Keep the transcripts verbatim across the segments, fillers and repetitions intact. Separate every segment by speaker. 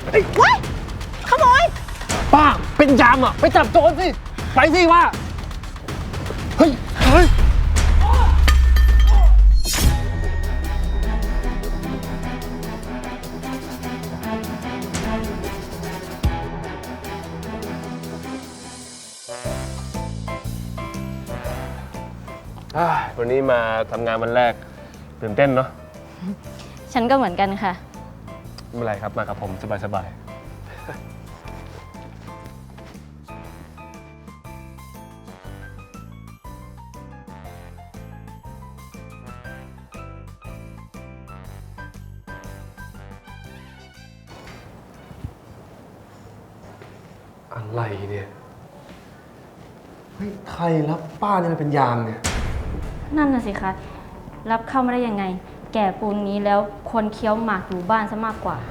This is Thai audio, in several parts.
Speaker 1: ว้ายขโมย
Speaker 2: ป้าเป็นยามอ่ะไปจับโจรสิไปสิว่าเฮ้ยเฮ้ยวันนี้มาทำงานวันแรกตื่นเต้นเนาะ
Speaker 3: ฉันก็เหมือนกันค่ะ
Speaker 2: ไม่เป็นไรครับมากับผมสบายๆอะไรเนี่ยเฮ้ยใครรับป้าเนี่ยมันเป็นยามเนี่ย
Speaker 3: นั่นน่ะสิคะรับเข้ามาได้ยังไงแก่ปูนนี้แล้วควรเคี้ยวหมากอยู่บ้านซะมากกว่า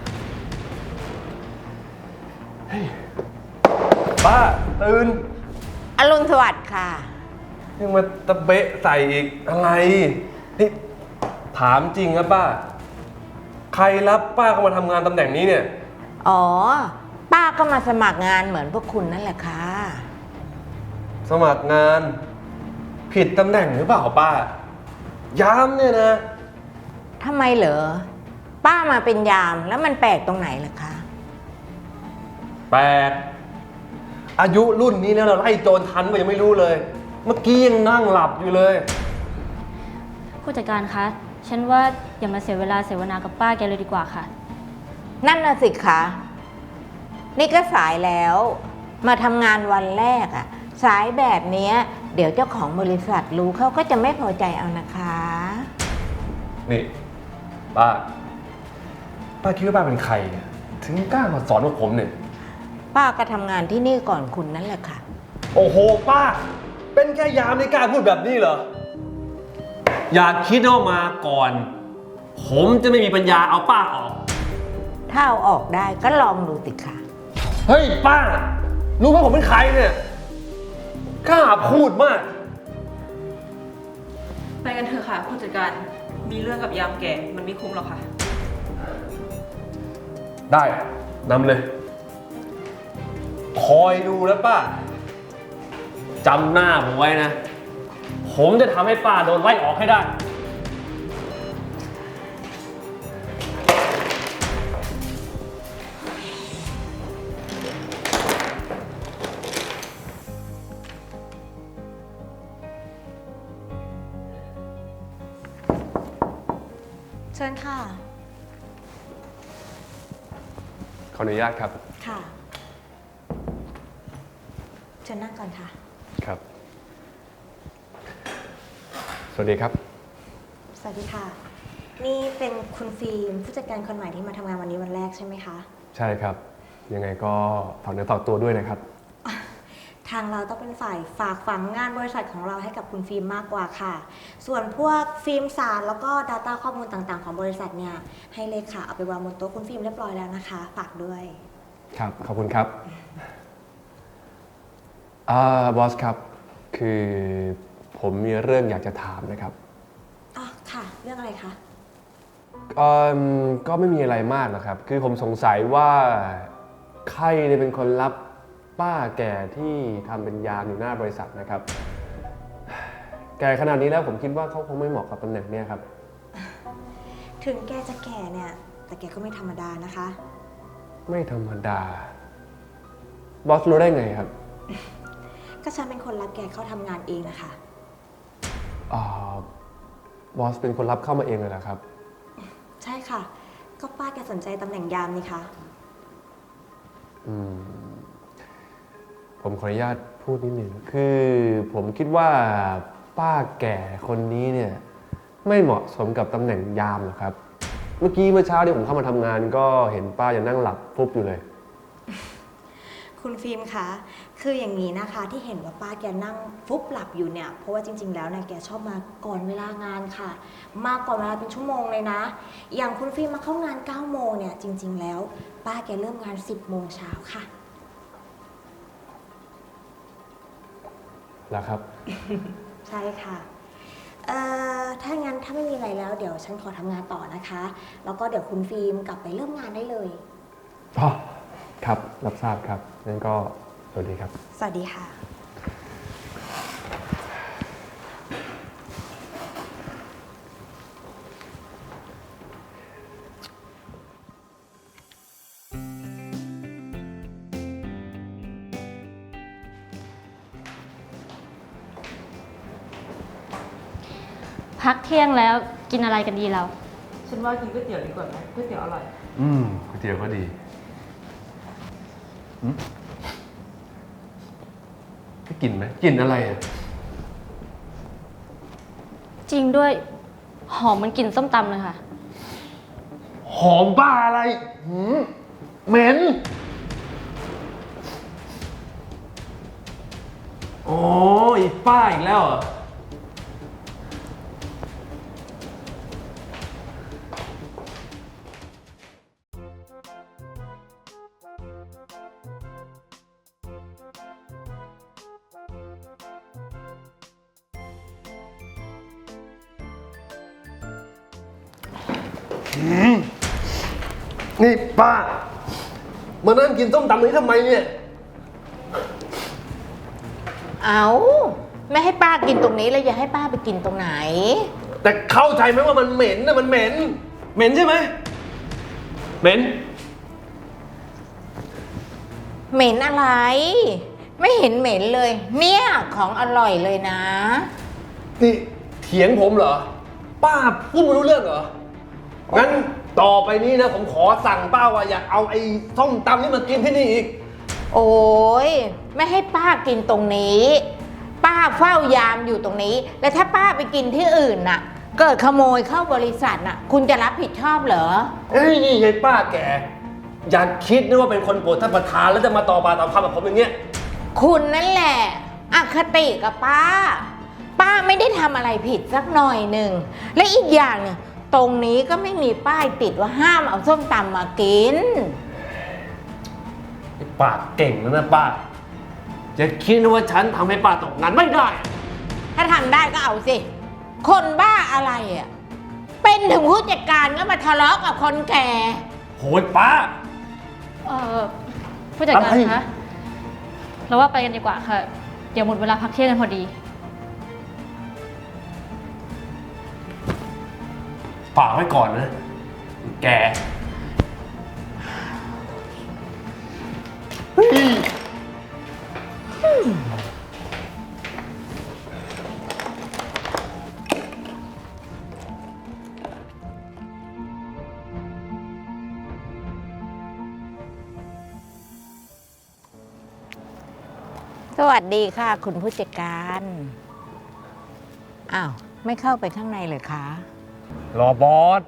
Speaker 2: เฮ้ยป้าตื่น
Speaker 1: อรุณสวัสดิ์ค่ะ
Speaker 2: ยังมาตะเบะใส่อีกอะไรนี่ถามจริงครับป้าใครรับป้าเข้ามาทำงานตำแหน่งนี้เนี่ย
Speaker 1: อ๋อป้าก็มาสมัครงานเหมือนพวกคุณนั่นแหละค่ะ
Speaker 2: สมัครงานผิดตำแหน่งหรือเปล่าป้ายามเนี่ยนะ
Speaker 1: ทำไมเหรอป้ามาเป็นยามแล้วมันแปลกตรงไหนล่ะคะ
Speaker 2: แปลกอายุรุ่นนี้แล้วเราไล่โจรทันก็ยังไม่รู้เลยเมื่อกี้ยังนั่งหลับอยู่เลย
Speaker 3: ผู้จัดการคะฉันว่าอย่ามาเสียเวลาเสวนากับป้าแกเลยดีกว่าค่ะ
Speaker 1: นั่นน่ะสิคะนี่ก็สายแล้วมาทำงานวันแรกอะสายแบบนี้เดี๋ยวเจ้าของบริษัทรู้เขาก็จะไม่พอใจเอานะคะ
Speaker 2: นี่ป้าป้าคิดว่าป้าเป็นใครเนี่ยถึงกล้ามาสอนพวกผมเนี่ย
Speaker 1: ป้าก็ทำงานที่นี่ก่อนคุณนั่นแหละค่ะ
Speaker 2: โอ้โหป้าเป็นแค่ยามในกล้าพูดแบบนี้เหรออยากคิดว่ามาก่อนผมจะไม่มีปัญญาเอาป้าออก
Speaker 1: ถ้าเอาออกได้ก็ลองดูสิค่ะ
Speaker 2: เฮ้ยป้ารู้ว่าผมเป็นใครเนี่ยกล้าพูดมาก
Speaker 4: ไปกันเถอะค่ะผู้จัดการมีเรื่องกับยามแก่มันไม่คุ้มหรอกค่ะ
Speaker 2: ได้นำเลยคอยดูแล้วป้าจำหน้าผมไว้นะผมจะทำให้ป้าโดนไล่ออกให้ได้
Speaker 5: เชิญค่ะ
Speaker 2: ขออนุญาตครับ
Speaker 5: ค่ะเชิญนั่งก่อนค่ะ
Speaker 2: ครับสวัสดีครับ
Speaker 5: สวัสดีค่ะนี่เป็นคุณฟิล์มผู้จัดการคนใหม่ที่มาทำงานวันนี้วันแรกใช่ไหมคะ
Speaker 2: ใช่ครับยังไงก็ฝากเนื้อฝากตัวด้วยนะครับ
Speaker 5: ทางเราต้องเป็นฝ่ายฝากฝังงานบริษัทของเราให้กับคุณฟิล์มมากกว่าค่ะส่วนพวกฟิล์มสารแล้วก็ Data ข้อมูลต่างๆของบริษัทเนี่ยให้เลขาเอาไปวางบนโต๊ะคุณฟิล์มเรียบร้อยแล้วนะคะฝากด้วย
Speaker 2: ครับขอบคุณครับอ่าบอสครับคือผมมีเรื่องอยากจะถามนะครับ
Speaker 5: อ๋อค่ะเรื่องอะไรคะ
Speaker 2: ก็ก็ไม่มีอะไรมากนะครับคือผมสงสัยว่าใครเนี่ยเป็นคนรับป้าแก่ที่ทำเป็นยามอยู่หน้าบริษัทนะครับแก่ขนาดนี้แล้วผมคิดว่าเขาคงไม่เหมาะกับตำแหน่งนี้ครับ
Speaker 5: ถึงแกจะแก่เนี่ยแต่แกก็ไม่ธรรมดานะคะ
Speaker 2: ไม่ธรรมดาบอสรู้ได้ไงครับ
Speaker 5: ก็ฉันเป็นคนรับแกเข้าทำงานเองนะคะ
Speaker 2: อ๋อบอสเป็นคนรับเข้ามาเองเลยเหรอครับ
Speaker 5: ใช่ค่ะก็ป้าแกสนใจตำแหน่งยามนี่คะ
Speaker 2: อืมผมขออนุญาตพูดนิดหนึ่งคือผมคิดว่าป้าแก่คนนี้เนี่ยไม่เหมาะสมกับตำแหน่งยามหรอกครับเมื่อกี้เมื่อเช้าที่ผมเข้ามาทำงานก็เห็นป้ายังนั่งหลับฟุบอยู่เลย
Speaker 5: คุณฟิล์มคะคืออย่างนี้นะคะที่เห็นว่าป้าแกนั่งฟุบหลับอยู่เนี่ยเพราะว่าจริงๆแล้วเนี่ยแกชอบมาก่อนเวลางานค่ะมาก่อนเวลาเป็นชั่วโมงเลยนะอย่างคุณฟิล์มมาเข้างานเก้าโมงเนี่ยจริงๆแล้วป้าแกเริ่มงานสิบโมงเช้าค่ะ
Speaker 2: แล้วครับ
Speaker 5: ใช่ค่ะเอ่อถ้างั้นถ้าไม่มีอะไรแล้วเดี๋ยวฉันขอทำงานต่อนะคะแล้วก็เดี๋ยวคุณฟิล์มกลับไปเริ่มงานได้เลย
Speaker 2: อ๋อครับ รับทราบครับงั้นก็สวัสดีครับ
Speaker 5: สวัสดีค่ะ
Speaker 3: พักเที่ยงแล้วกินอะไรกันดีเรา
Speaker 4: ฉันว่ากินก๋วยเตี๋ยวดีกว่าไหมก๋วยเตี๋ยวอร่อย
Speaker 2: อืมก๋วยเตี๋ยวก็ดีอืมก็กินไหมกินอะไรอ่ะ
Speaker 3: จริงด้วยหอมมันกลิ่นส้มตำเลยค่ะ
Speaker 2: หอมบ้าอะไรหืมเหม็นโอ้ยป้าอีกแล้วเหรอนี่ป้า มานั่งกินส้มตำนี้ทำไมเนี่ย
Speaker 1: เอาไม่ให้ป้ากินตรงนี้แล้วอย่าให้ป้าไปกินตรงไหน
Speaker 2: แต่เข้าใจไหมว่ามันเหม็นนะมันเหม็น เหม็นใช่ไหม เหม็น
Speaker 1: เหม็นอะไร ไม่เห็นเหม็นเลย เนี่ยของอร่อยเลยนะ
Speaker 2: นี่เถียงผมเหรอ ป้าพูดไม่รู้เรื่องเหรอ งั้นต่อไปนี้นะผมขอสั่งป้าว่าอย่าเอาไอ้ส้มตำนี่มากินที่นี่อีก
Speaker 1: โอ้ยไม่ให้ป้ากินตรงนี้ ป้าเฝ้ายามอยู่ตรงนี้ แล้วถ้าป้าไปกินที่อื่นน่ะ เกิดขโมยเข้าบริษัทน่ะ คุณจะรับผิดชอบเหรอ
Speaker 2: เฮ้ยนี่ยายป้าแก อย่าคิดนะว่าเป็นคนโปรดท่านประธานแล้วจะมาต่อปากต่อคำกับผมอย่างเงี้ย
Speaker 1: คุณนั่นแหละอคติกับป้า ป้าไม่ได้ทำอะไรผิดสักหน่อยหนึ่ง และอีกอย่างหนึ่งตรงนี้ก็ไม่มีป้ายติดว่าห้ามเอาส้มตำมากิน
Speaker 2: ปากเก่งนะนะป้า จะคิดนะว่าฉันทำให้ป้าตกงานไม่ได้
Speaker 1: ถ้าทำได้ก็เอาสิ คนบ้าอะไรอ่ะ เป็นถึงผู้จัดการก็มาทะเลาะกับคนแก่
Speaker 2: โหยป้า
Speaker 3: เออผู้จัดการ
Speaker 2: อะไร
Speaker 3: คะเราว่าไปกันดีกว่าค่ะ เดี๋ยวหมดเวลาพักเที่ยงกันพอดี
Speaker 2: ฝากไว้ก่อนนะ แก
Speaker 1: สวัสดีค่ะ คุณผู้จัดการ อ้าว ไม่เข้าไปข้างในเลยคะ
Speaker 2: รอบอส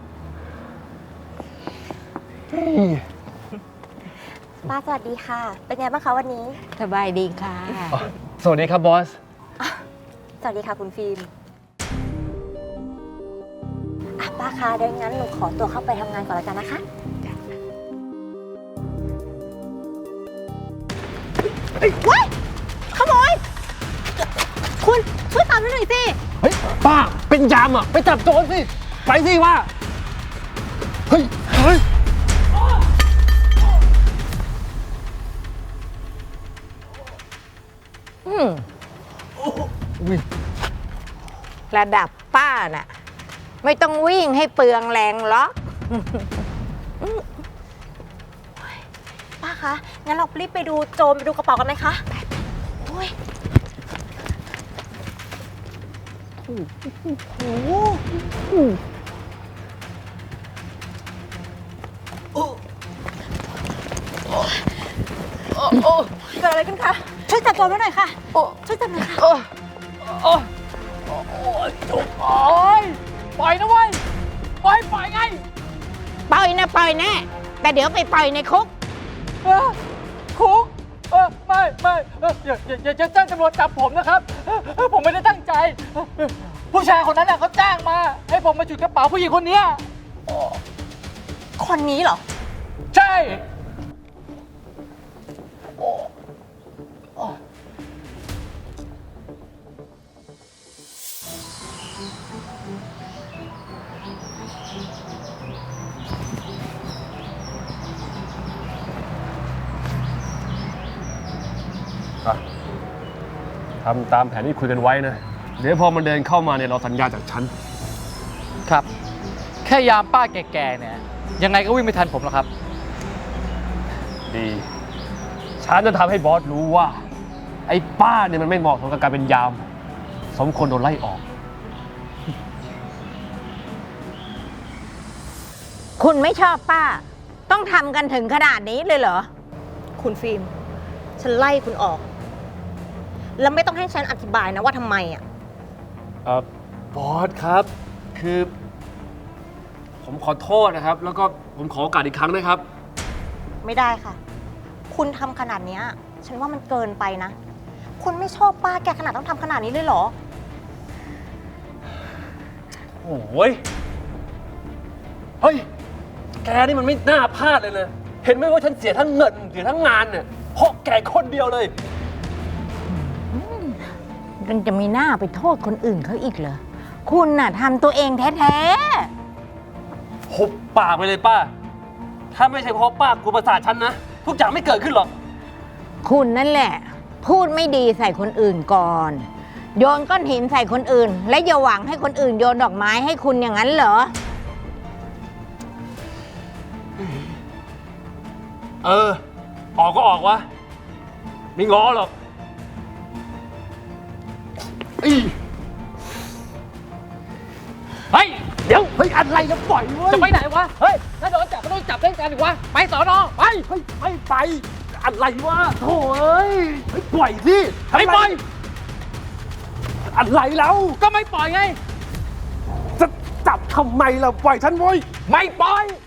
Speaker 5: ป้าสวัสดีค่ะ เป็นไงบ้างคะวันนี้
Speaker 1: สบายดีค่ะ
Speaker 2: สวัสดีครับบอส
Speaker 5: สวัสดีค่ะคุณฟิล์มอ่ะป้าคะเดี๋ยวงั้นหนูขอตัวเข้าไปทำงานก่อนแล้วกันนะคะ ว้ายขโมย คุณช่วยตามให้หน่อยสิ
Speaker 2: เฮ้ย ป้า เป็นยามอ่ะ ไปจับโจรสิ ไปสิว่า เฮ้ย เฮ้ย
Speaker 1: อืมระดับป้าน่ะ ไม่ต้องวิ่งให้เปลืองแรงหรอก
Speaker 5: ป้าคะ งั้นเรารีบไปดูโจรไปดูกระเป๋ากันไหมคะโอ้ยโอ้โหเกิดอะไรขึ้นคะ ช่วยจับโจรไว้หน่อยค่ะ ช่วยจับหน่อยค่ะ
Speaker 1: ปล่อยนะเว้ย ปล่อยปล่อยไง ปล่อยนะปล่อยแน่ แต่เดี๋ยวไปปล่อยในคุก
Speaker 6: คุกเออไม่ไม่เอออย่าอย่าอย่าจะแจ้งตำรวจจับผมนะครับเออเออผมไม่ได้ตั้งใจเออผู้ชายคนนั้นน่ะเขาจ้างมา ให้ผมมาจุดกระเป๋าผู้หญิงคนเนี้ย
Speaker 5: คนนี้เหรอ
Speaker 6: ใช่
Speaker 2: อ่ะทำตามแผนที่คุยกันไว้นะ เดี๋ยวพอมันเดินเข้ามาเนี่ยเราสัญญาจากฉัน
Speaker 6: ครับ แค่ยามป้าแก่ๆเนี่ย ยังไงก็วิ่งไม่ทันผมหรอกครับ
Speaker 2: ดี ฉันจะทำให้บอสรู้ว่า ไอ้ป้าเนี่ยมันไม่เหมาะสมกับการเป็นยาม สมควรโดนไล่ออก
Speaker 1: คุณไม่ชอบป้า ต้องทำกันถึงขนาดนี้เลยเหรอ
Speaker 5: คุณฟิล์ม ฉันไล่คุณออก แล้วไม่ต้องให้ฉันอธิบายนะว่าทำไมอ่ะ
Speaker 2: เออบอสครับ คือ ผมขอโทษนะครับ แล้วก็ผมขอโอกาสอีกครั้งนะครับ
Speaker 5: ไม่ได้ค่ะ คุณทำขนาดเนี้ย ฉันว่ามันเกินไปนะ คุณไม่ชอบป้าแกขนาดต้องทำขนาดนี้เลยเหรอ
Speaker 2: โอ้ย เฮ้ย แกนี่มันไม่น่าพลาดเลยนะ เห็นไหมว่าฉันเสียทั้งเงินเสียทั้งงานเนี่ย เพราะแกคนเดียวเลย
Speaker 1: ยังจะมีหน้าไปโทษคนอื่นเขาอีกเหรอ คุณน่ะทำตัวเองแท้
Speaker 2: หุบปากไปเลยป้า ถ้าไม่ใช่เพราะป้ากูประสาทฉันนะ ทุกอย่างไม่เกิดขึ้นหรอก
Speaker 1: ๆ คุณนั่นแหละ พูดไม่ดีใส่คนอื่นก่อน โยนก้อนหินใส่คนอื่น และอย่าหวังให้คนอื่นโยนดอกไม้ให้คุณอย่างนั้นเหรอ
Speaker 2: เออ ออกก็ออกวะ ไม่ง้อหรอกอีเฮ้ย เดี๋ยว เฮ้ย อะไรนะปล่อยเว้ย
Speaker 6: จะไปไหนวะ เฮ้ย ถ้าโดนจับก็ต้องจับเล่นกันดิวะ ไปสอนอไป
Speaker 2: เฮ้ย ไม่ไป อะไรวะโถ่เอ้ยเฮ้ย ปล่อยสิไม่ปล่อย อะไรแล้ว
Speaker 6: ก็ไม่ปล่อยไง
Speaker 2: จะจับทำไมล่ะ ปล่อยฉันเว้ย
Speaker 6: ไม่ปล่อย
Speaker 2: ป